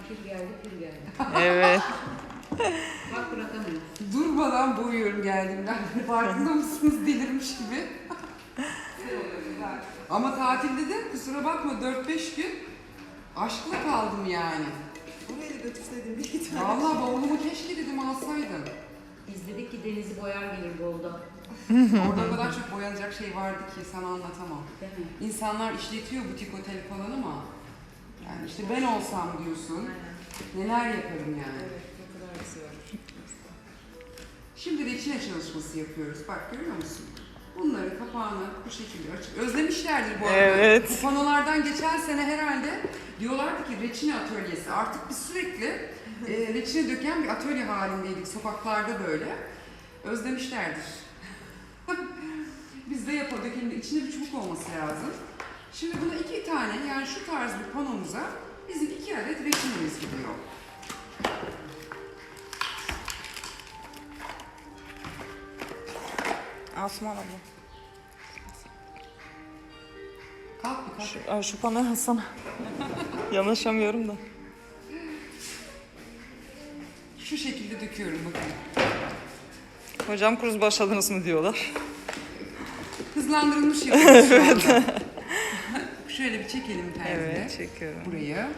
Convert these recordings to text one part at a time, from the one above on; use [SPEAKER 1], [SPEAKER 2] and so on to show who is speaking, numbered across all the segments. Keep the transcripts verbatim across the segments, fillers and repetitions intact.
[SPEAKER 1] kir geldi, kir geldi.
[SPEAKER 2] Evet.
[SPEAKER 1] Bak bırakamıyorum.
[SPEAKER 3] Durmadan boğuyorum geldiğimden. Farkında mısınız? Delirmiş gibi. Ama tatilde de kusura bakma dört beş gün aşkla kaldım yani.
[SPEAKER 4] Buraya da götürseydim bir iki tane.
[SPEAKER 3] Vallahi bavulumu keşke dedim alsaydım.
[SPEAKER 1] Biz dedik ki denizi boyar gelir Bolu'da.
[SPEAKER 3] Orada o kadar çok boyanacak şey vardı ki sana anlatamam.
[SPEAKER 1] Değil mi?
[SPEAKER 3] İnsanlar işletiyor butik otel falan ama yani işte ben olsam diyorsun neler yaparım yani.
[SPEAKER 4] Evet, ne kadar güzel.
[SPEAKER 3] Şimdi reçine çalışması yapıyoruz. Bak görüyor musun? Bunları kapağını bu şekilde açıp özlemişlerdir bu arada.
[SPEAKER 2] Evet.
[SPEAKER 3] Bu panolardan geçen sene herhalde diyorlardı ki reçine atölyesi. Artık biz sürekli e, reçine döken bir atölye halindeydik sokaklarda böyle. Özlemişlerdir. Biz de yapalım. Dökelim de içinde bir çubuk olması lazım. Şimdi buna iki tane yani şu tarz bir panomuza bizim iki adet reçinemiz gidiyor.
[SPEAKER 2] Asuman abla.
[SPEAKER 3] Kalk bir kalk.
[SPEAKER 2] Şu, ay, şu panoyu alsana. Yanaşamıyorum da.
[SPEAKER 3] Şu şekilde döküyorum bakın.
[SPEAKER 2] Hocam kuruz başladınız mı diyorlar.
[SPEAKER 3] Hızlandırılmış yapıyoruz şu anda. Şöyle bir çekelim terzide.
[SPEAKER 2] Evet, çekiyorum.
[SPEAKER 3] Burayı.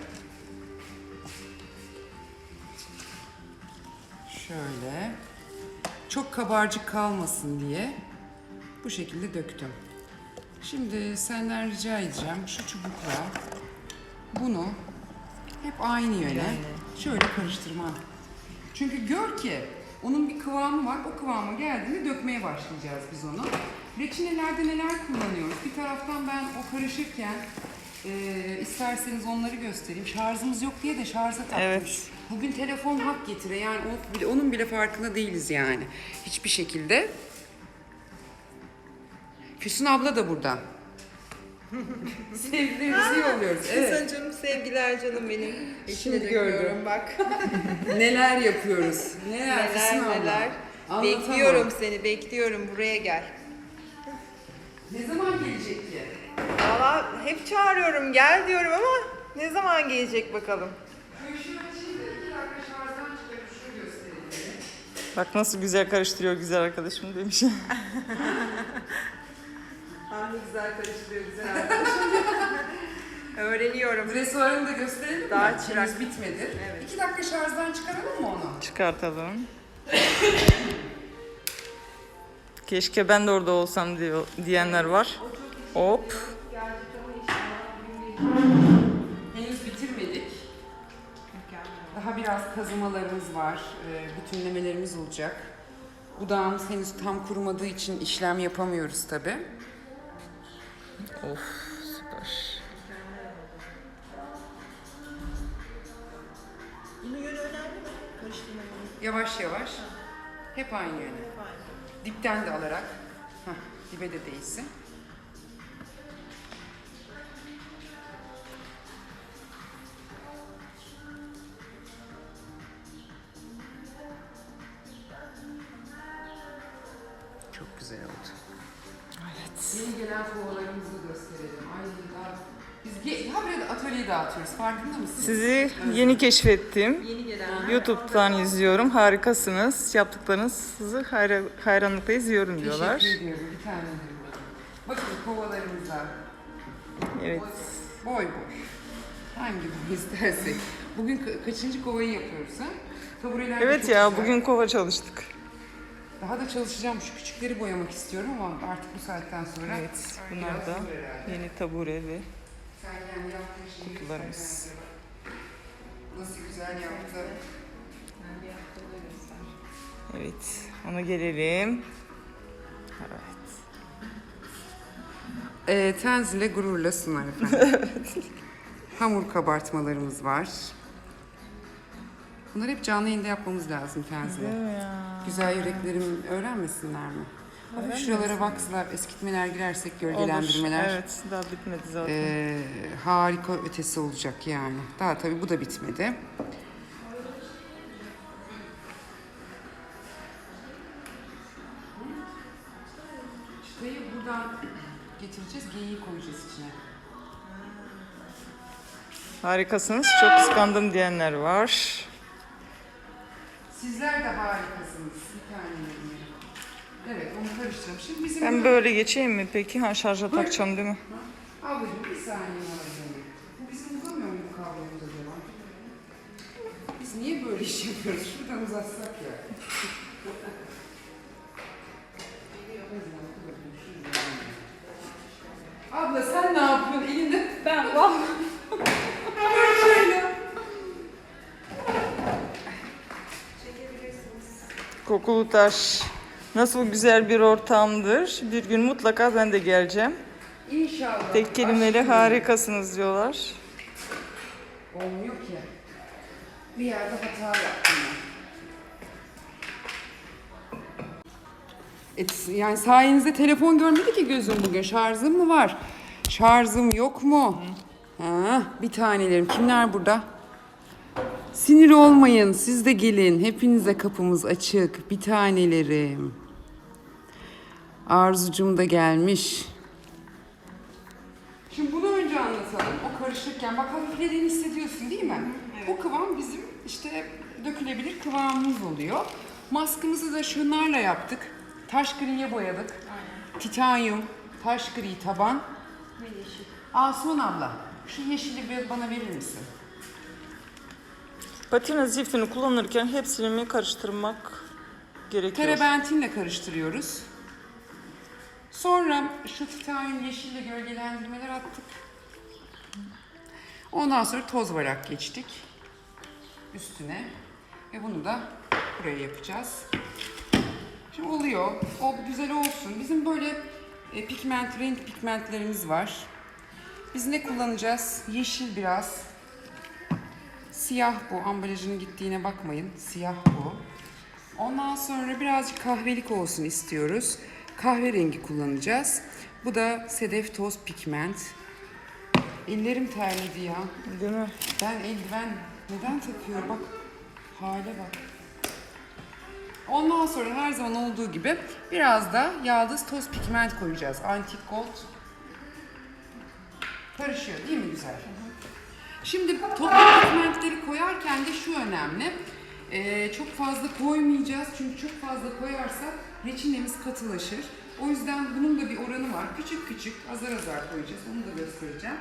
[SPEAKER 3] Şöyle. Çok kabarcık kalmasın diye bu şekilde döktüm. Şimdi senden rica edeceğim şu çubukla bunu hep aynı yöne şöyle karıştırma. Çünkü gör ki onun bir kıvamı var. O kıvama geldiğinde dökmeye başlayacağız biz onu. Reçinelerde neler kullanıyoruz? Bir taraftan ben o karışırken e, isterseniz onları göstereyim. Şarjımız yok diye de şarja takmış.
[SPEAKER 2] Evet.
[SPEAKER 3] Bugün telefon hak getire. Yani o bile, onun bile farkında değiliz yani. Hiçbir şekilde. Füsun abla da burada. Sevgilerimizi yolluyoruz. Evet.
[SPEAKER 4] Evet. Canım sevgiler canım benim.
[SPEAKER 3] Şimdi
[SPEAKER 4] İçine
[SPEAKER 3] gördüm.
[SPEAKER 4] döküyorum bak.
[SPEAKER 3] Neler yapıyoruz? Neler, Füsun
[SPEAKER 4] neler
[SPEAKER 3] abla?
[SPEAKER 4] neler.
[SPEAKER 3] Anlatamam.
[SPEAKER 4] Bekliyorum seni, bekliyorum. Buraya gel.
[SPEAKER 3] Ne zaman gelecek ki?
[SPEAKER 4] Valla hep çağırıyorum, gel diyorum ama ne zaman gelecek bakalım.
[SPEAKER 3] Şöyle şimdi iki dakika şarjdan çıkarıp şunu göstereyim.
[SPEAKER 2] Bak nasıl güzel karıştırıyor güzel arkadaşım demiş.
[SPEAKER 4] Ah ne güzel karıştırıyor güzel arkadaşım. Öğreniyorum.
[SPEAKER 3] Dresuarını da gösterelim
[SPEAKER 4] Daha
[SPEAKER 3] mi?
[SPEAKER 4] çırak.
[SPEAKER 3] Henüz bitmedi.
[SPEAKER 4] Evet.
[SPEAKER 3] İki dakika şarjdan çıkaralım mı onu?
[SPEAKER 2] Çıkartalım. Keşke ben de orada olsam diyor, diyenler var. Hop.
[SPEAKER 3] Henüz bitirmedik. Daha biraz kazımalarımız var. e, Bütünlemelerimiz olacak. Budağımız henüz tam kurumadığı için işlem yapamıyoruz tabi.
[SPEAKER 2] Of süper.
[SPEAKER 4] Bunun yönü önemli mi? Karıştırmanın.
[SPEAKER 3] Yavaş yavaş. Hep aynı yöne. Dipten de alarak. Heh, dibe de değsin. Çok güzel oldu.
[SPEAKER 2] Evet.
[SPEAKER 3] Yeni gelen kovalarımızı gösterelim. Ay daha biz ge- habire atölyeyi dağıtıyoruz. Farkında mısınız?
[SPEAKER 2] Sizi yeni keşfettim.
[SPEAKER 4] Yeni gelen.
[SPEAKER 2] YouTube'dan izliyorum. Harikasınız. Yaptıklarınızı hayra, hayranlıkla izliyorum diyorlar.
[SPEAKER 3] Teşekkür ediyorum. Bir tane diyorum. Bakın kovalarımıza.
[SPEAKER 2] Evet.
[SPEAKER 3] Boy boy. Hangi boy istersek. Bugün ka- kaçıncı kovayı yapıyoruz ha? Tabureler de
[SPEAKER 2] Evet
[SPEAKER 3] çok
[SPEAKER 2] ya
[SPEAKER 3] güzel.
[SPEAKER 2] bugün kova çalıştık.
[SPEAKER 3] Daha da çalışacağım. Şu küçükleri boyamak istiyorum ama artık bu saatten sonra.
[SPEAKER 2] Evet. Bunlar
[SPEAKER 3] biraz
[SPEAKER 2] da
[SPEAKER 3] zor herhalde.
[SPEAKER 2] yeni tabure ve
[SPEAKER 3] Sen kendi yaptığın şeyi
[SPEAKER 2] kutularımız.
[SPEAKER 3] göster bence. Nasıl güzel yaptı.
[SPEAKER 2] evet. Ona gelelim. Evet.
[SPEAKER 3] E, tenzile gururla sunar efendim. Hamur kabartmalarımız var. Bunları hep canlı yayında yapmamız lazım tenzile.
[SPEAKER 2] Değil mi ya?
[SPEAKER 3] Güzel yüreklerim öğrenmesinler mi? Hafif şuralara vakslar, eskitmeler girersek, gölgelendirmeler.
[SPEAKER 2] Olur. Evet. Daha bitmedi zaten.
[SPEAKER 3] Ee, harika ötesi olacak yani. Daha tabii bu da bitmedi. Çıtayı buradan getireceğiz, geyiği koyacağız içine.
[SPEAKER 2] Harikasınız. Çok kıskandım diyenler var.
[SPEAKER 3] Sizler de harikasınız. Bir tanelerim. Evet, onu karıştıralım. Şimdi bizim
[SPEAKER 2] Ben
[SPEAKER 3] burada-
[SPEAKER 2] böyle geçeyim mi peki? Ha, şarja takacağım değil mi?
[SPEAKER 3] Ablacığım bir saniye alacağım. Bu bizim uzamıyor mu bu kablomuz acaba? Biz niye böyle iş yapıyoruz? Şuradan uzatsak ya. Abla sen ne yapıyorsun? Elinde ben var. Şöyle.
[SPEAKER 2] Kokulu Taş. Nasıl güzel bir ortamdır. Bir gün mutlaka ben de geleceğim.
[SPEAKER 3] İnşallah.
[SPEAKER 2] Tek kelimeyle
[SPEAKER 3] Aşkım.
[SPEAKER 2] harikasınız diyorlar.
[SPEAKER 3] Olmuyor ki. Bir yerde hata yaptım ben. Et, yani sayenizde telefon görmedi ki gözüm bugün. Şarjım mı var? Şarjım yok mu? Ha, bir tanelerim. Kimler burada? Sinir olmayın. Siz de gelin. Hepinize kapımız açık. Bir tanelerim. Arzucum da gelmiş. Şimdi bunu önce anlatalım. O karışırken bak hafiflediğini hissediyorsun değil mi? Bu kıvam bizim işte dökülebilir kıvamımız oluyor. Maskımızı da şunlarla yaptık. Taş griye boyadık. Titanyum, taş gri taban. Ve yeşil. Asuman abla, şu yeşili bir bana verir misin?
[SPEAKER 2] Patina ziftini kullanırken hepsini mi karıştırmak gerekiyor?
[SPEAKER 3] Terebentinle karıştırıyoruz. Sonra şu titanyum yeşille gölgelendirmeler attık. Ondan sonra toz varak geçtik üstüne ve bunu da buraya yapacağız. Şimdi oluyor. O güzel olsun. Bizim böyle e, pigment, renk pigmentlerimiz var. Biz ne kullanacağız? Yeşil biraz. Siyah bu. Ambalajının gittiğine bakmayın. Siyah bu. Ondan sonra birazcık kahvelik olsun istiyoruz. Kahverengi kullanacağız. Bu da sedef toz pigment. Ellerim terledi ya.
[SPEAKER 2] Değil mi?
[SPEAKER 3] Ben eldiven neden takıyorum? Bak hale bak. Ondan sonra her zaman olduğu gibi biraz da yaldız toz pigment koyacağız. Antik gold. Karışıyor değil mi güzel? Şimdi toprak pigmentleri koyarken de şu önemli. Ee, çok fazla koymayacağız çünkü çok fazla koyarsak reçinemiz katılaşır. O yüzden bunun da bir oranı var. Küçük küçük azar azar koyacağız. Onu da göstereceğim.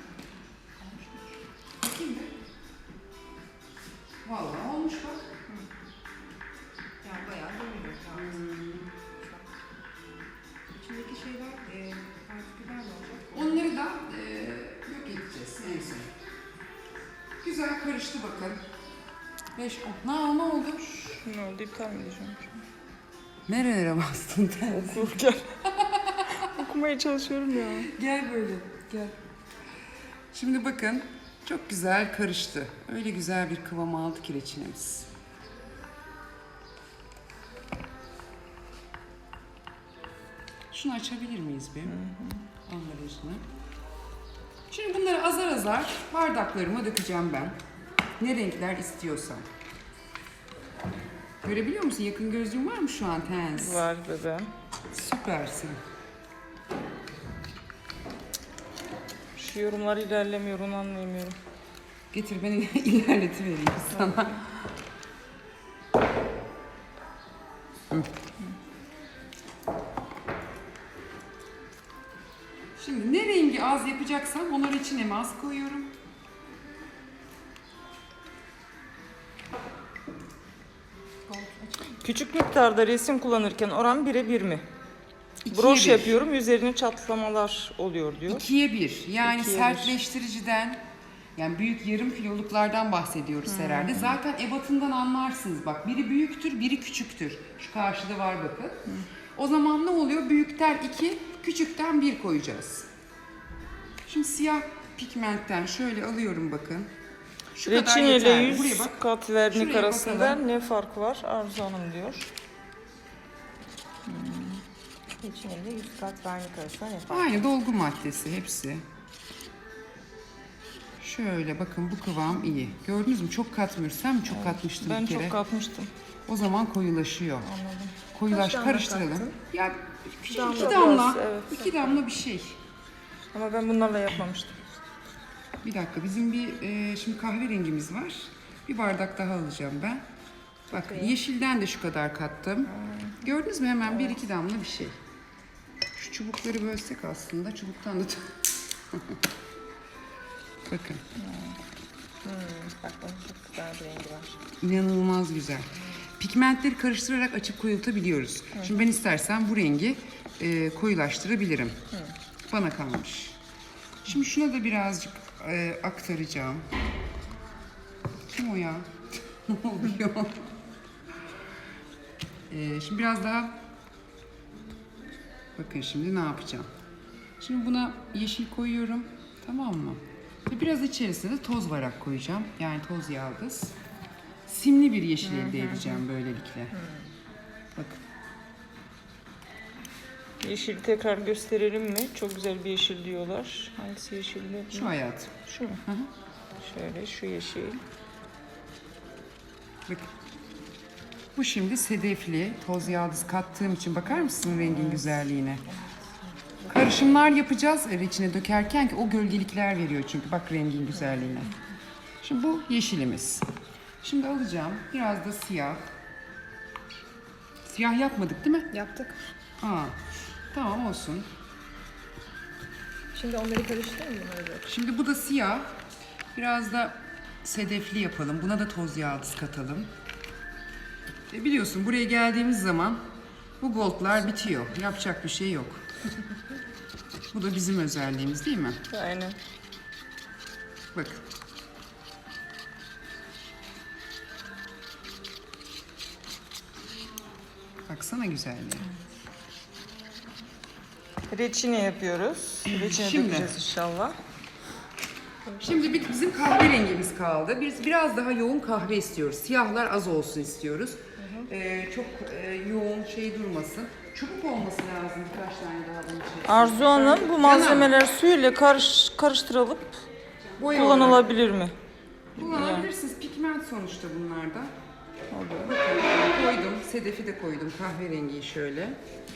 [SPEAKER 3] Bakayım mı? Vallahi olmuş bak.
[SPEAKER 4] Yani bayağı dönüyor. Hmm. İçindeki şeyler e, partiküller mi olacak?
[SPEAKER 3] Onları da e, yok edeceğiz en son. Güzel karıştı bakın. Beş, on. Ne, ne oldu?
[SPEAKER 2] Ne oldu? İptal mi edeceğim?
[SPEAKER 3] Nerelere bastın sen?
[SPEAKER 2] Okurken. Okumaya çalışıyorum ya.
[SPEAKER 3] Gel böyle, gel. Şimdi bakın, çok güzel karıştı. Öyle güzel bir kıvam aldı ki reçinemiz. Şunu açabilir miyiz bir? Ambalajını. Şimdi bunları azar azar bardaklarıma dökeceğim ben. Ne renkler istiyorsam. Görebiliyor musun? Yakın gözlüğün var mı şu an Tens?
[SPEAKER 2] Var bebeğim.
[SPEAKER 3] Süpersin.
[SPEAKER 2] Şu yorumlar ilerlemiyor, onu anlayamıyorum.
[SPEAKER 3] Getir ben ilerletivereyim sana. Hı. Şimdi ne rengi az yapacaksam onları içine az koyuyorum.
[SPEAKER 2] Küçük miktarda resim kullanırken oran bire bir mi?
[SPEAKER 3] İkiye
[SPEAKER 2] Broş
[SPEAKER 3] bir.
[SPEAKER 2] yapıyorum, üzerine çatlamalar oluyor diyor.
[SPEAKER 3] İkiye bir. Yani
[SPEAKER 2] İkiye bir.
[SPEAKER 3] sertleştiriciden, yani büyük yarım kiloluklardan bahsediyoruz herhalde. Zaten ebatından anlarsınız bak. Biri büyüktür, biri küçüktür. Şu karşıda var bakın. O zaman ne oluyor? Büyükten iki, küçükten bir koyacağız. Şimdi siyah pigmentten şöyle alıyorum bakın. Şu kadar
[SPEAKER 2] Reçine ile
[SPEAKER 3] yeterli. Buraya
[SPEAKER 2] yüz
[SPEAKER 3] bak.
[SPEAKER 2] kat vernik
[SPEAKER 3] Şuraya
[SPEAKER 2] arasında
[SPEAKER 3] bakalım.
[SPEAKER 2] ne fark var? Arzu Hanım diyor.
[SPEAKER 1] Reçine ile yüz kat vernik arasında ne fark?
[SPEAKER 3] Aynı dolgu maddesi hepsi. Şöyle bakın bu kıvam iyi. Gördünüz mü? Çok katmıyoruz. Sen mi çok katmıştın
[SPEAKER 2] Ben
[SPEAKER 3] bir kere?
[SPEAKER 2] çok katmıştım.
[SPEAKER 3] O zaman koyulaşıyor.
[SPEAKER 2] Anladım.
[SPEAKER 3] Koyulaş
[SPEAKER 1] Kaç damla
[SPEAKER 3] karıştıralım.
[SPEAKER 1] kattın?
[SPEAKER 3] Ya küçük
[SPEAKER 2] Damla
[SPEAKER 3] iki damla.
[SPEAKER 2] biraz, evet.
[SPEAKER 3] iki damla bir şey.
[SPEAKER 2] Ama ben bunlarla yapmamıştım.
[SPEAKER 3] Bir dakika, bizim bir e, şimdi kahverengimiz var. Bir bardak daha alacağım ben. Bak, yeşilden de şu kadar kattım. Gördünüz mü, hemen bir iki damla bir şey. Şu çubukları bölsek aslında, çubuktan da... Bakın.
[SPEAKER 1] Hmm, bak bunun çok güzel bir rengi var.
[SPEAKER 3] İnanılmaz güzel. Pigmentleri karıştırarak açıp koyultabiliyoruz. Şimdi ben istersen bu rengi e, koyulaştırabilirim.
[SPEAKER 1] Hı.
[SPEAKER 3] Bana kalmış. Şimdi şuna da birazcık e, aktaracağım. Kim o ya? Ne oluyor? E, şimdi biraz daha... Bakın şimdi ne yapacağım? Şimdi buna yeşil koyuyorum. Tamam mı? Ve biraz içerisine de toz varak koyacağım. Yani toz yaldız. Simli bir yeşil elde edeceğim böylelikle. Bakın.
[SPEAKER 2] Yeşil tekrar gösterelim mi? Çok güzel bir yeşil diyorlar. Hangisi yeşildi?
[SPEAKER 3] Şu hayat.
[SPEAKER 2] Şu mu?
[SPEAKER 3] Hı hı.
[SPEAKER 2] Şöyle şu yeşil.
[SPEAKER 3] Bakın. Bu şimdi sedefli, toz yaldız kattığım için bakar mısın rengin güzelliğine? Karışımlar yapacağız er içine dökerken ki o gölgelikler veriyor çünkü bak rengin güzelliğine. Şimdi bu yeşilimiz. Şimdi alacağım biraz da siyah. Siyah yapmadık değil mi?
[SPEAKER 1] Yaptık.
[SPEAKER 3] Aa, tamam olsun.
[SPEAKER 1] Şimdi onları karıştırayım mı? Bunları böyle?
[SPEAKER 3] Şimdi bu da siyah. Biraz da sedefli yapalım. Buna da toz yaldız katalım. E biliyorsun buraya geldiğimiz zaman bu goldlar bitiyor. Yapacak bir şey yok. Bu da bizim özelliğimiz değil mi?
[SPEAKER 2] Aynen.
[SPEAKER 3] Bakın. Baksana güzelliğe.
[SPEAKER 2] Reçine yapıyoruz. Reçine
[SPEAKER 3] Şimdi.
[SPEAKER 2] dökeceğiz inşallah.
[SPEAKER 3] Şimdi bir- bizim kahverengimiz kaldı. Biz biraz daha yoğun kahve istiyoruz. Siyahlar az olsun istiyoruz. Ee, çok e, yoğun şey durmasın. Çubuk olması lazım birkaç tane daha bunun içerisinde.
[SPEAKER 2] Arzu Hanım, bu malzemeler suyla karış, karıştırılıp
[SPEAKER 3] Boya olarak
[SPEAKER 2] kullanılabilir mi?
[SPEAKER 3] kullanabilirsiniz. Pigment sonuçta bunlarda. Bakın koydum. Sedefi de koydum. Kahverengiyi şöyle.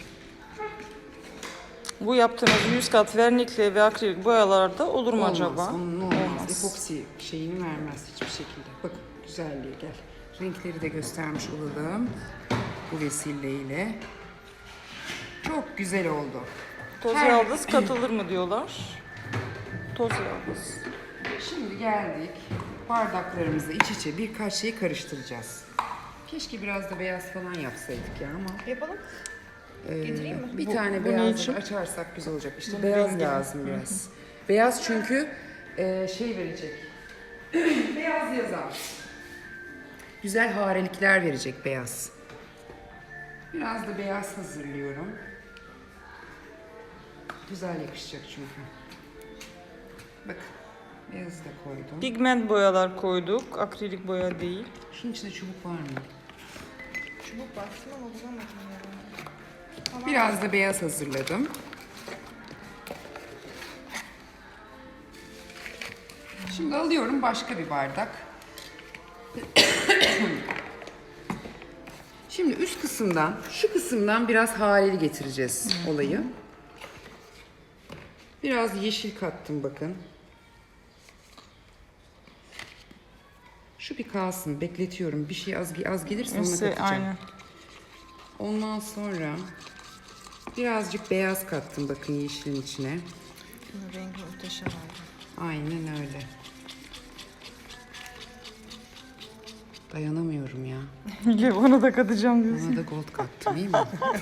[SPEAKER 2] Bu yaptığınız yüz kat vernikle ve akrilik boyalarda olur mu
[SPEAKER 3] Olmaz.
[SPEAKER 2] acaba?
[SPEAKER 3] Onun olmaz. Epoksi şeyini vermez hiçbir şekilde. Bakın güzelliğe gel. Renkleri de göstermiş olalım. Bu vesileyle. Çok güzel oldu.
[SPEAKER 2] Toz
[SPEAKER 3] Her-
[SPEAKER 2] yaldız katılır mı diyorlar. Toz yaldız.
[SPEAKER 3] Şimdi geldik. Bardaklarımızı iç içe birkaç şeyi karıştıracağız. Keşke biraz da beyaz falan yapsaydık ya ama.
[SPEAKER 1] Yapalım.
[SPEAKER 3] Ee,
[SPEAKER 1] Getireyim mi?
[SPEAKER 3] Bir
[SPEAKER 2] Bu-
[SPEAKER 3] tane
[SPEAKER 2] bu ne
[SPEAKER 3] beyaz
[SPEAKER 2] için?
[SPEAKER 3] açarsak güzel olacak. İşte
[SPEAKER 2] Bunun
[SPEAKER 3] beyaz
[SPEAKER 2] rengi.
[SPEAKER 3] lazım biraz. Beyaz çünkü e, şey verecek. Beyaz yazar. Güzel harelikler verecek beyaz. Biraz da beyaz hazırlıyorum. Güzel yakışacak çünkü. Bakın. Beyazı da koydum.
[SPEAKER 2] Pigment boyalar koyduk. Akrilik boya değil.
[SPEAKER 3] Şunun içinde çubuk var mı?
[SPEAKER 1] Çubuk baktım ama bulamadım ya.
[SPEAKER 3] Biraz da beyaz hazırladım. Şimdi alıyorum başka bir bardak. Şimdi üst kısımdan, şu kısımdan biraz hareli getireceğiz olayı. Biraz yeşil kattım bakın. Şu bir kalsın, bekletiyorum. Bir şey az az gelirse ona
[SPEAKER 2] Neyse,
[SPEAKER 3] katacağım.
[SPEAKER 2] aynen.
[SPEAKER 3] Ondan sonra birazcık beyaz kattım bakın yeşilin içine.
[SPEAKER 1] Bunun rengi muhteşem oldu.
[SPEAKER 3] Aynen öyle. Dayanamıyorum ya.
[SPEAKER 2] Ya onu da katacağım diyorsun.
[SPEAKER 3] Bana da gold kattım iyi mi?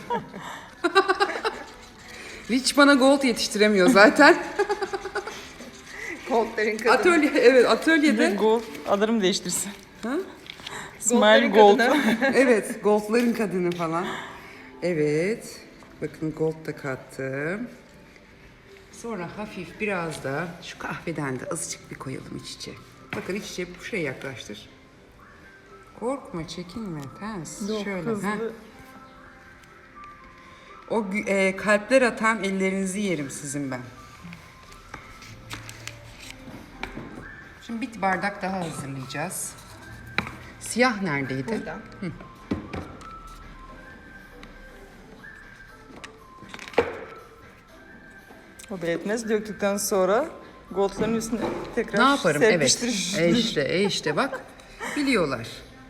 [SPEAKER 3] Hiç bana gold yetiştiremiyor zaten.
[SPEAKER 1] Goldların kadını.
[SPEAKER 3] Atölye, evet
[SPEAKER 2] Bir
[SPEAKER 3] atölyede.
[SPEAKER 2] gold. Adını değiştirsin.
[SPEAKER 3] Ha?
[SPEAKER 2] Smile
[SPEAKER 1] Goldların
[SPEAKER 2] Gold.
[SPEAKER 1] kadını.
[SPEAKER 3] Evet, goldların kadını falan. Evet, bakın gold da kattım. Sonra hafif biraz da şu kahveden de azıcık bir koyalım iç içe. Bakın iç içe şuraya yaklaştır. Korkma, çekinme, ters.
[SPEAKER 2] Yok,
[SPEAKER 3] Şöyle.
[SPEAKER 2] hızlı.
[SPEAKER 3] heh. O gü- e, kalpler atan ellerinizi yerim sizin ben. Şimdi bir bardak daha hazırlayacağız. Siyah neredeydi?
[SPEAKER 1] Burada.
[SPEAKER 2] O belirtmez. Döktükten sonra Goldların üstüne tekrar
[SPEAKER 3] Ne yaparım? Evet.
[SPEAKER 2] serpiştir.
[SPEAKER 3] E işte, e işte bak. Biliyorlar.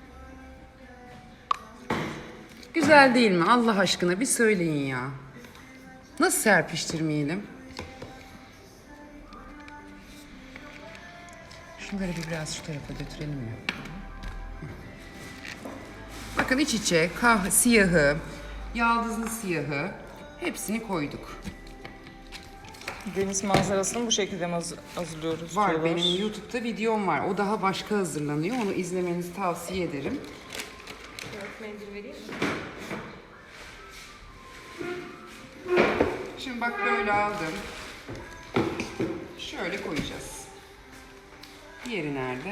[SPEAKER 3] Güzel değil mi? Allah aşkına bir söyleyin ya. Nasıl serpiştirmeyelim? Şunları bir biraz şu tarafa götürelim mi? Bakın iç içe kah siyahı, yaldızlı siyahı hepsini koyduk.
[SPEAKER 2] Deniz manzarasını bu şekilde mi haz- hazırlıyoruz?
[SPEAKER 3] Var
[SPEAKER 2] diyorlar.
[SPEAKER 3] benim YouTube'da videom var. O daha başka hazırlanıyor. Onu izlemenizi tavsiye ederim.
[SPEAKER 1] Mendil vereyim mi?
[SPEAKER 3] Şimdi bak böyle aldım. Şöyle koyacağız. Diğeri nerede?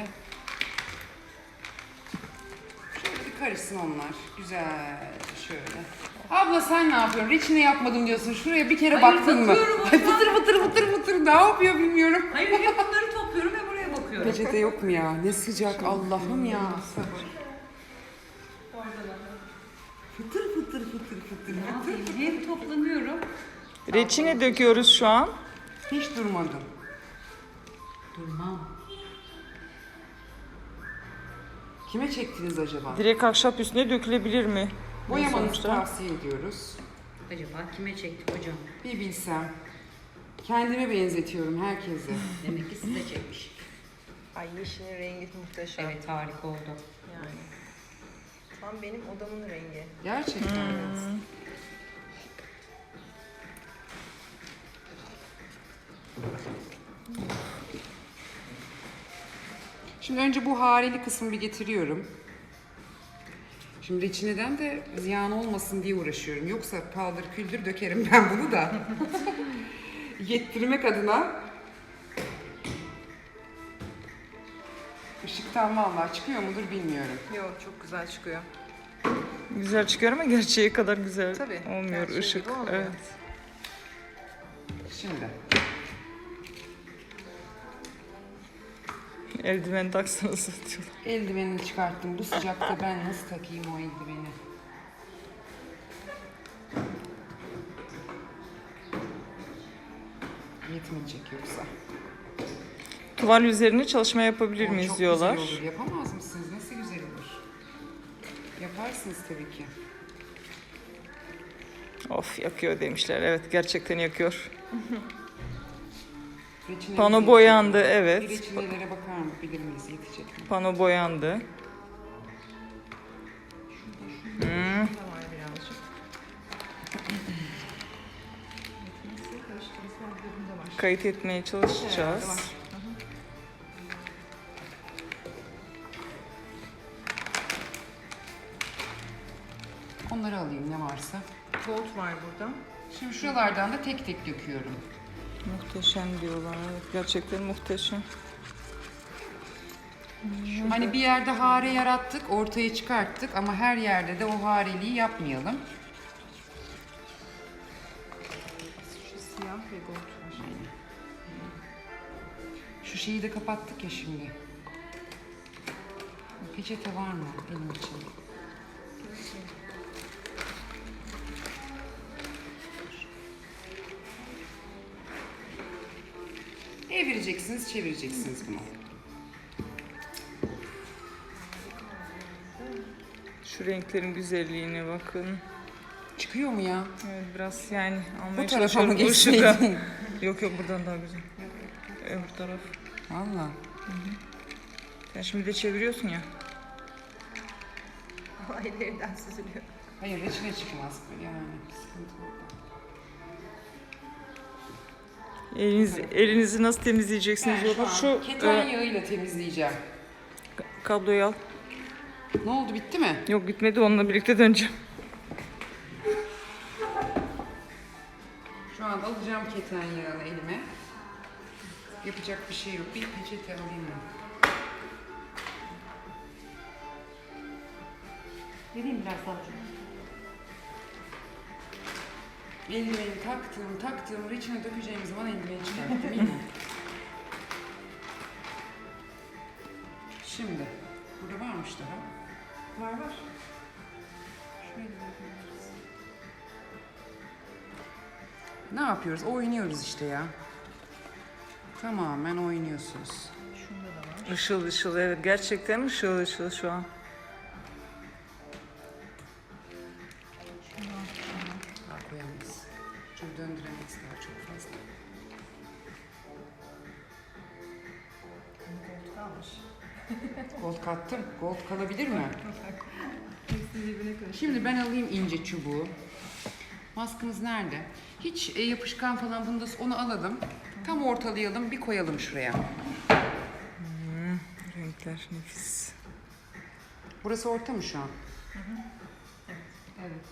[SPEAKER 3] Şöyle bir karışsın onlar. Güzel şöyle. Abla sen ne yapıyorsun? Reçine yapmadım diyorsun. Şuraya bir kere
[SPEAKER 5] Hayır,
[SPEAKER 3] baktın mı?
[SPEAKER 5] bakıyorum
[SPEAKER 3] Ay fıtır fıtır fıtır fıtır ne yapıyor bilmiyorum.
[SPEAKER 5] Hayır hep bunları topluyorum ve buraya bakıyorum.
[SPEAKER 3] Peçete yok mu ya? Ne sıcak Allah'ım ya. Sabır. Fıtır fıtır fıtır fıtır.
[SPEAKER 5] Ne yapayım? Hem toplanıyorum.
[SPEAKER 2] Reçine döküyoruz şu an.
[SPEAKER 3] Hiç durmadım.
[SPEAKER 5] Durmam.
[SPEAKER 3] Kime çektiniz acaba?
[SPEAKER 2] Direkt ahşap üstüne dökülebilir mi?
[SPEAKER 3] Boyamanızı
[SPEAKER 2] Sonuçta.
[SPEAKER 3] tavsiye ediyoruz.
[SPEAKER 5] Acaba kime çektik hocam?
[SPEAKER 3] Bir bilsem. Kendime benzetiyorum herkese.
[SPEAKER 5] Demek ki size çekmiş.
[SPEAKER 1] Ay yeşilin rengi muhteşem.
[SPEAKER 5] Evet harika oldu.
[SPEAKER 1] Yani. Tam benim odamın rengi.
[SPEAKER 3] Gerçekten.
[SPEAKER 2] Hmm.
[SPEAKER 3] Şimdi önce bu hareli kısmı bir getiriyorum. Şimdi reçineden de ziyan olmasın diye uğraşıyorum. Yoksa paldır küldür dökerim ben bunu da. Yettirmek adına. Işıktan vallahi çıkıyor mudur bilmiyorum.
[SPEAKER 1] Yok çok güzel çıkıyor.
[SPEAKER 2] Güzel çıkıyor ama gerçeği kadar güzel
[SPEAKER 1] Tabii,
[SPEAKER 2] olmuyor
[SPEAKER 1] gerçeği
[SPEAKER 2] ışık.
[SPEAKER 1] gibi olmuyor.
[SPEAKER 2] Evet.
[SPEAKER 3] Şimdi.
[SPEAKER 2] Eldiven taksanız diyorlar.
[SPEAKER 3] Eldivenini çıkarttım. Bu sıcakta ben nasıl takayım o eldiveni? Yetmeyecek yoksa.
[SPEAKER 2] Tuval üzerine çalışma yapabilir
[SPEAKER 3] O
[SPEAKER 2] miyiz
[SPEAKER 3] çok
[SPEAKER 2] diyorlar.
[SPEAKER 3] güzel olur. Yapamaz mısınız? Nasıl güzel olur? Yaparsınız tabii ki.
[SPEAKER 2] Of yakıyor demişler. Evet gerçekten yakıyor.
[SPEAKER 3] Reçinemiz
[SPEAKER 2] Pano
[SPEAKER 3] yetecek
[SPEAKER 2] boyandı,
[SPEAKER 3] mi?
[SPEAKER 2] evet.
[SPEAKER 3] Bir reçinelere bakar mı? Bilir miyiz? Yetecek mi?
[SPEAKER 2] Pano boyandı. Hmm.
[SPEAKER 1] Var birazcık.
[SPEAKER 2] Kayıt etmeye çalışacağız.
[SPEAKER 1] Evet, var.
[SPEAKER 3] Onları alayım ne varsa.
[SPEAKER 1] Gold var burada.
[SPEAKER 3] Şimdi şuralardan da tek tek döküyorum.
[SPEAKER 2] Muhteşem diyorlar. Evet, gerçekten muhteşem.
[SPEAKER 3] Hani bir yerde hare yarattık, ortaya çıkarttık ama her yerde de o hareliği yapmayalım.
[SPEAKER 1] Şu siyah ve gold var.
[SPEAKER 3] Şu şeyi de kapattık ya şimdi. Peçete var mı benim için? Evireceksiniz, çevireceksiniz bunu.
[SPEAKER 2] Şu renklerin güzelliğine bakın.
[SPEAKER 3] Çıkıyor mu ya?
[SPEAKER 2] Evet biraz yani
[SPEAKER 3] Bu
[SPEAKER 2] almaya
[SPEAKER 3] tarafa mı
[SPEAKER 2] çalışıyorum ışığı.
[SPEAKER 3] geçseydin?
[SPEAKER 2] Yok yok buradan daha güzel. Öbür taraf.
[SPEAKER 3] Valla.
[SPEAKER 2] Sen şimdi de çeviriyorsun ya.
[SPEAKER 1] Ellerinden süzülüyor.
[SPEAKER 3] Hayır reçine çıkmaz. Yani sıkıntı orada.
[SPEAKER 2] Eliniz, elinizi nasıl temizleyeceksiniz
[SPEAKER 3] Ben şu
[SPEAKER 2] olur.
[SPEAKER 3] an
[SPEAKER 2] Şu
[SPEAKER 3] keten
[SPEAKER 2] e,
[SPEAKER 3] yağıyla temizleyeceğim.
[SPEAKER 2] kabloyu al.
[SPEAKER 3] Ne oldu bitti mi?
[SPEAKER 2] Yok gitmedi onunla birlikte döneceğim.
[SPEAKER 3] Şu an alacağım keten yağını elime. Yapacak bir şey yok. Bir peçete alayım ben.
[SPEAKER 5] Vereyim biraz daha hocam.
[SPEAKER 3] Eldiveni taktım, taktım. Reçine dökeceğim zaman eldiveni çıkarttım. İyi mi? Şimdi. Burada varmış daha.
[SPEAKER 1] Var var.
[SPEAKER 3] Şöyle bakıyoruz. Ne yapıyoruz? Oynuyoruz işte ya. Tamamen oynuyorsunuz.
[SPEAKER 1] Şunda da var.
[SPEAKER 2] Işıl ışıl, evet gerçekten ışıl ışıl şu an.
[SPEAKER 3] Daha koyamayız. Çünkü döndüremeyiz daha çok fazla.
[SPEAKER 1] Gold kalmış.
[SPEAKER 3] Gold kattım. Gold kalabilir mi?
[SPEAKER 1] Hepsi birbirine karıştı.
[SPEAKER 3] Şimdi ben alayım ince çubuğu. Maskımız nerede? Hiç e, yapışkan falan bunda onu alalım. Tam ortalayalım, bir koyalım şuraya.
[SPEAKER 2] Renkler nefis.
[SPEAKER 3] Burası orta mı şu an?
[SPEAKER 1] Evet.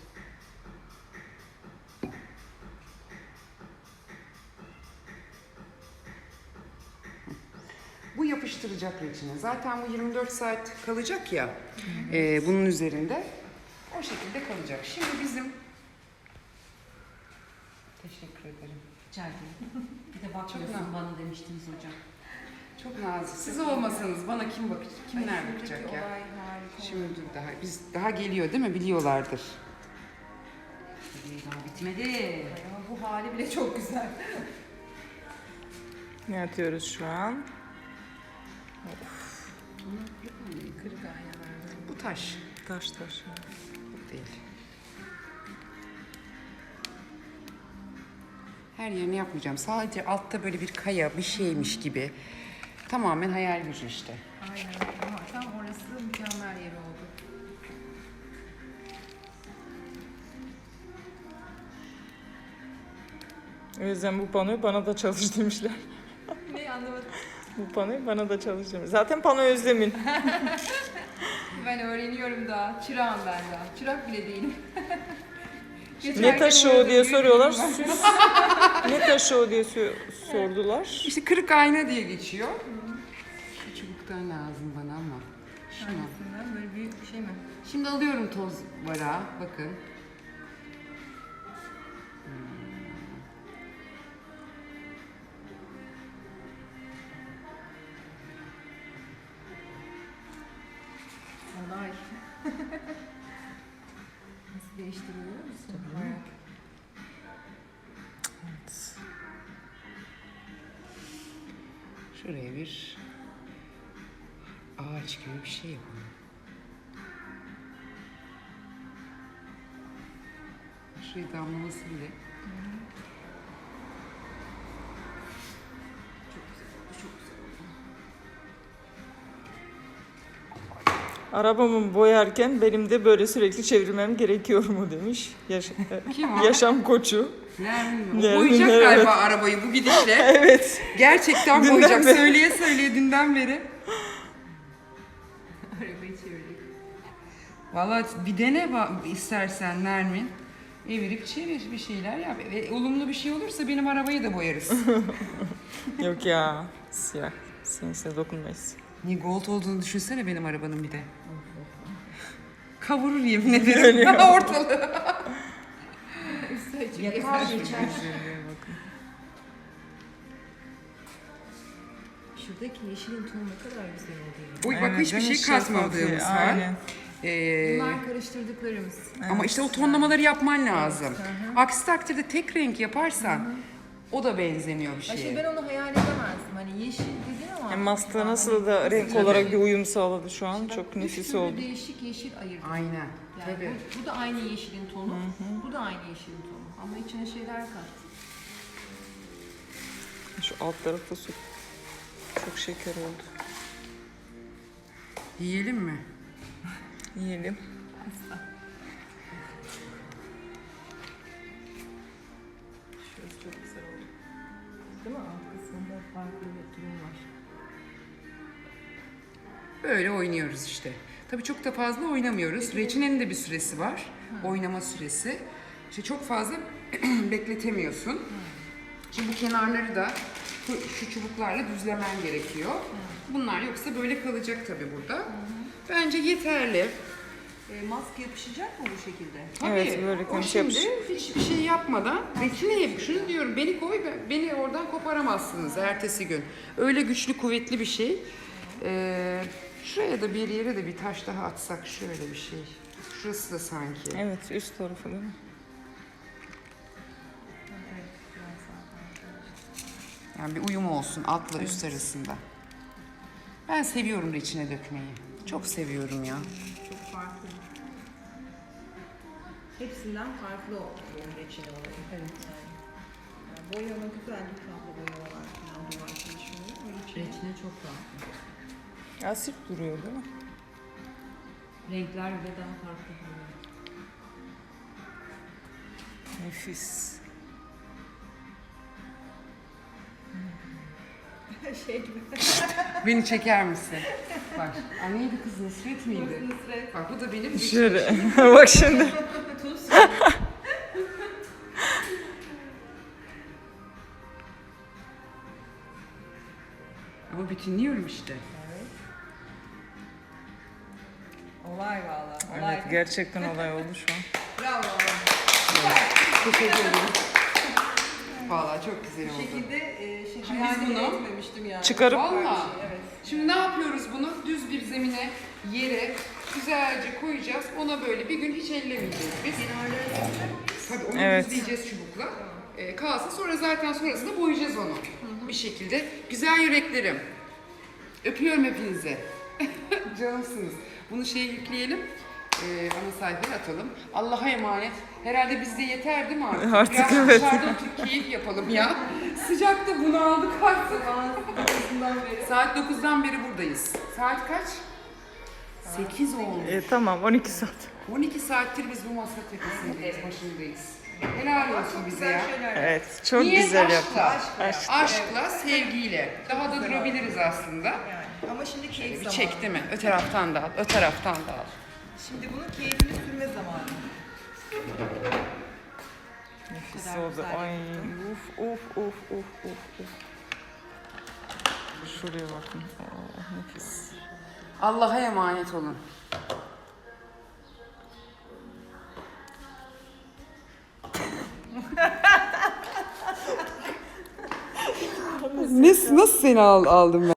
[SPEAKER 3] Bu yapıştıracak reçine. Zaten bu yirmi dört saat kalacak ya e, bunun üzerinde. O şekilde kalacak. Şimdi bizim... Teşekkür ederim.
[SPEAKER 5] Rica ederim. Bir de bakmıyorsun bana demiştiniz hocam.
[SPEAKER 3] Çok nazik. Siz olmasanız bana kim bakacak? Kimler bakacak ya?
[SPEAKER 1] Olay harika.
[SPEAKER 3] Şimdi daha biz daha geliyor değil mi? Biliyorlardır.
[SPEAKER 5] Daha bitmedi.
[SPEAKER 1] Ama bu hali bile çok güzel.
[SPEAKER 2] Ne atıyoruz şu an?
[SPEAKER 1] Kırık aynalar.
[SPEAKER 3] Bu taş.
[SPEAKER 2] Taş taş.
[SPEAKER 3] Bu değil. Her yerini yapmayacağım. Sadece altta böyle bir kaya bir şeymiş gibi. Tamamen hayal gücü işte.
[SPEAKER 1] Aynen. Ama tam orası mükemmel yeri oldu.
[SPEAKER 2] O yüzden bu panoyu bana da çalış demişler.
[SPEAKER 1] Ne anlamadım.
[SPEAKER 2] Bu panoyu bana da çalış demişler. Zaten pano Özlem'in.
[SPEAKER 1] Ben öğreniyorum daha. Çırağım ben daha. Çırak bile değilim.
[SPEAKER 2] Ne
[SPEAKER 1] Geçerken
[SPEAKER 2] taşı o
[SPEAKER 1] uğradım,
[SPEAKER 2] diye
[SPEAKER 1] bir
[SPEAKER 2] soruyorlar.
[SPEAKER 1] bilgim var.
[SPEAKER 2] Süs. Ne taşı o diye sor- sordular.
[SPEAKER 3] İşte kırık ayna diye geçiyor. Şu çubuktan lazım bana ama. Şunu.
[SPEAKER 1] Hangisinden? Böyle büyük bir şey mi?
[SPEAKER 3] Şimdi alıyorum toz varağı. Bakın.
[SPEAKER 1] Olay. Nasıl değiştiriyor musun? Merak.
[SPEAKER 3] Şuraya bir ağaç gibi bir şey yapalım. Şuraya damlaması bile.
[SPEAKER 2] Arabamı boyarken benim de böyle sürekli çevirmem gerekiyor mu demiş. Yaş-
[SPEAKER 3] Kim o?
[SPEAKER 2] yaşam koçu.
[SPEAKER 3] Nermin mi? O
[SPEAKER 2] Nermin,
[SPEAKER 3] boyayacak
[SPEAKER 2] evet.
[SPEAKER 3] galiba arabayı bu gidişle.
[SPEAKER 2] Evet.
[SPEAKER 3] Gerçekten
[SPEAKER 2] Dünden
[SPEAKER 3] boyayacak.
[SPEAKER 2] beri.
[SPEAKER 3] Söyleye söyleye dünden beri.
[SPEAKER 1] Arabayı çevirdik.
[SPEAKER 3] Vallahi bir dene ba- istersen Nermin. Evirip çevir bir şeyler yap. Ve olumlu bir şey olursa benim arabayı da boyarız.
[SPEAKER 2] Yok ya. Siyah. Sinse dokunmayız.
[SPEAKER 3] Niye gold olduğunu düşünsene benim arabanın bir de. Kavurur yemin ederim. Ortalığı.
[SPEAKER 5] Yakar geçer.
[SPEAKER 1] Şuradaki yeşilin tonu ne kadar güzel oluyor.
[SPEAKER 3] Oy bak hiçbir şey
[SPEAKER 2] şeffaf
[SPEAKER 3] katmadığımız
[SPEAKER 2] ya,
[SPEAKER 3] var.
[SPEAKER 2] aynen.
[SPEAKER 3] Ee,
[SPEAKER 1] Bunlar karıştırdıklarımız.
[SPEAKER 3] ama işte o tonlamaları yapman lazım. Aksi takdirde tek renk yaparsan o da benzemiyor bir
[SPEAKER 1] Ay
[SPEAKER 3] şeye.
[SPEAKER 1] işte ben onu hayal edemezdim. Hani yeşil dedin ama.
[SPEAKER 2] Yani mastığı nasıl da renk olarak bir uyum sağladı şu an. Çok nefis oldu.
[SPEAKER 1] Değişik yeşil ayırdım.
[SPEAKER 3] Aynen.
[SPEAKER 1] Yani
[SPEAKER 3] Tabii.
[SPEAKER 1] Bu, bu da aynı yeşilin tonu. Bu da aynı yeşilin tonu. Ama içine şeyler kattım.
[SPEAKER 2] Şu alt tarafta su. Çok şeker oldu.
[SPEAKER 3] Yiyelim mi?
[SPEAKER 2] Yiyelim.
[SPEAKER 1] Şurası çok güzel oldu. Değil mi? Alt kısmında farklı bir durum var.
[SPEAKER 3] Böyle oynuyoruz işte. Tabii çok da fazla oynamıyoruz. Reçinenin de bir süresi var. Oynama süresi. İşte çok fazla bekletemiyorsun. Şimdi bu kenarları da şu- şu çubuklarla düzlemen gerekiyor. Bunlar yoksa böyle kalacak tabii burada. Bence yeterli.
[SPEAKER 1] E, maske yapışacak mı bu şekilde?
[SPEAKER 3] Tabii.
[SPEAKER 2] Evet, böyle
[SPEAKER 3] O
[SPEAKER 2] konuş
[SPEAKER 3] şimdi
[SPEAKER 2] yapış.
[SPEAKER 3] hiçbir şey yapmadan reçineye şunu diyorum beni koy ben- beni oradan koparamazsınız ertesi gün. Öyle güçlü kuvvetli bir şey. Ee, şuraya da bir yere de bir taş daha atsak şöyle bir şey. Şurası da sanki.
[SPEAKER 2] Evet, üst tarafı değil mi?
[SPEAKER 3] Yani bir uyum olsun altla üst arasında. Ben seviyorum reçine dökmeyi. Çok seviyorum ya.
[SPEAKER 4] Çok farklı. Hepsinden farklı oldu bu reçine olayı. Evet. Yani boyama güzel bir tablo boyamalar falan duvar çalışmaları. O reçine
[SPEAKER 5] Reçine çok farklı.
[SPEAKER 2] Asit duruyor değil mi?
[SPEAKER 5] Renkler bile daha farklı oluyor.
[SPEAKER 2] Nefis.
[SPEAKER 4] şey gibi.
[SPEAKER 3] Beni çeker misin? Bak. Aa, neydi kız Nusret miydi?
[SPEAKER 4] Nusret.
[SPEAKER 3] Bak bu da benim
[SPEAKER 2] Şöyle. Bak şimdi.
[SPEAKER 4] Tuz.
[SPEAKER 3] Ama bütünlüyorum işte.
[SPEAKER 4] Olay valla. Olay.
[SPEAKER 2] Evet gerçekten olay oldu şu an.
[SPEAKER 4] Bravo.
[SPEAKER 3] Teşekkür ederim. Vallahi çok güzel
[SPEAKER 4] Bu
[SPEAKER 3] oldu.
[SPEAKER 4] şekilde e, şey,
[SPEAKER 3] Şimdi
[SPEAKER 4] hayal
[SPEAKER 3] biz
[SPEAKER 4] bile
[SPEAKER 3] bunu
[SPEAKER 4] etmemiştim yani.
[SPEAKER 2] çıkarıp-
[SPEAKER 3] Vallahi.
[SPEAKER 4] Evet.
[SPEAKER 3] Şimdi ne yapıyoruz bunu? Düz bir zemine, yere güzelce koyacağız. Ona böyle bir gün hiç ellemeyeceğiz biz. Tabii onu
[SPEAKER 2] Evet.
[SPEAKER 3] düzleyeceğiz çubukla. Ee, kalsın sonra zaten sonrasında boyayacağız onu. Bir şekilde. Güzel yüreklerim. Öpüyorum hepinizi. Canımsınız. Bunu şeye yükleyelim. Ee, ana sayfaya atalım. Allah'a emanet. Herhalde bizde yeter değil mi artık?
[SPEAKER 2] Artık
[SPEAKER 3] Biraz
[SPEAKER 2] evet.
[SPEAKER 3] dışarıda oturup keyif yapalım ya. Sıcakta bunu aldık artık.
[SPEAKER 4] Dokuzundan beri.
[SPEAKER 3] Saat dokuzdan beri buradayız. Saat kaç? sekiz oldu.
[SPEAKER 2] E, tamam on iki saat.
[SPEAKER 3] on iki saattir biz bu masa tepesindeyiz, başındayız. Helal olsun bize ya.
[SPEAKER 2] Evet çok
[SPEAKER 3] Niye?
[SPEAKER 2] güzel
[SPEAKER 3] Aşkla.
[SPEAKER 2] yaptın. Aşk.
[SPEAKER 3] Aşkla, sevgiyle. Daha da durabiliriz aslında.
[SPEAKER 4] Yani. Ama şimdi keyif
[SPEAKER 3] Bir
[SPEAKER 4] zamanı.
[SPEAKER 3] çek değil mi? Ö taraftan da al, ö taraftan da al.
[SPEAKER 4] Şimdi bunun keyfini sürme zamanı.
[SPEAKER 2] Nefis
[SPEAKER 4] kadar
[SPEAKER 2] oldu.
[SPEAKER 4] güzel
[SPEAKER 2] Ay
[SPEAKER 4] yaptın.
[SPEAKER 2] uf uf uf uf uf uf. Şuraya bakın. Oh, nefis.
[SPEAKER 3] Allah'a emanet olun. ne, nasıl seni al, aldım ben?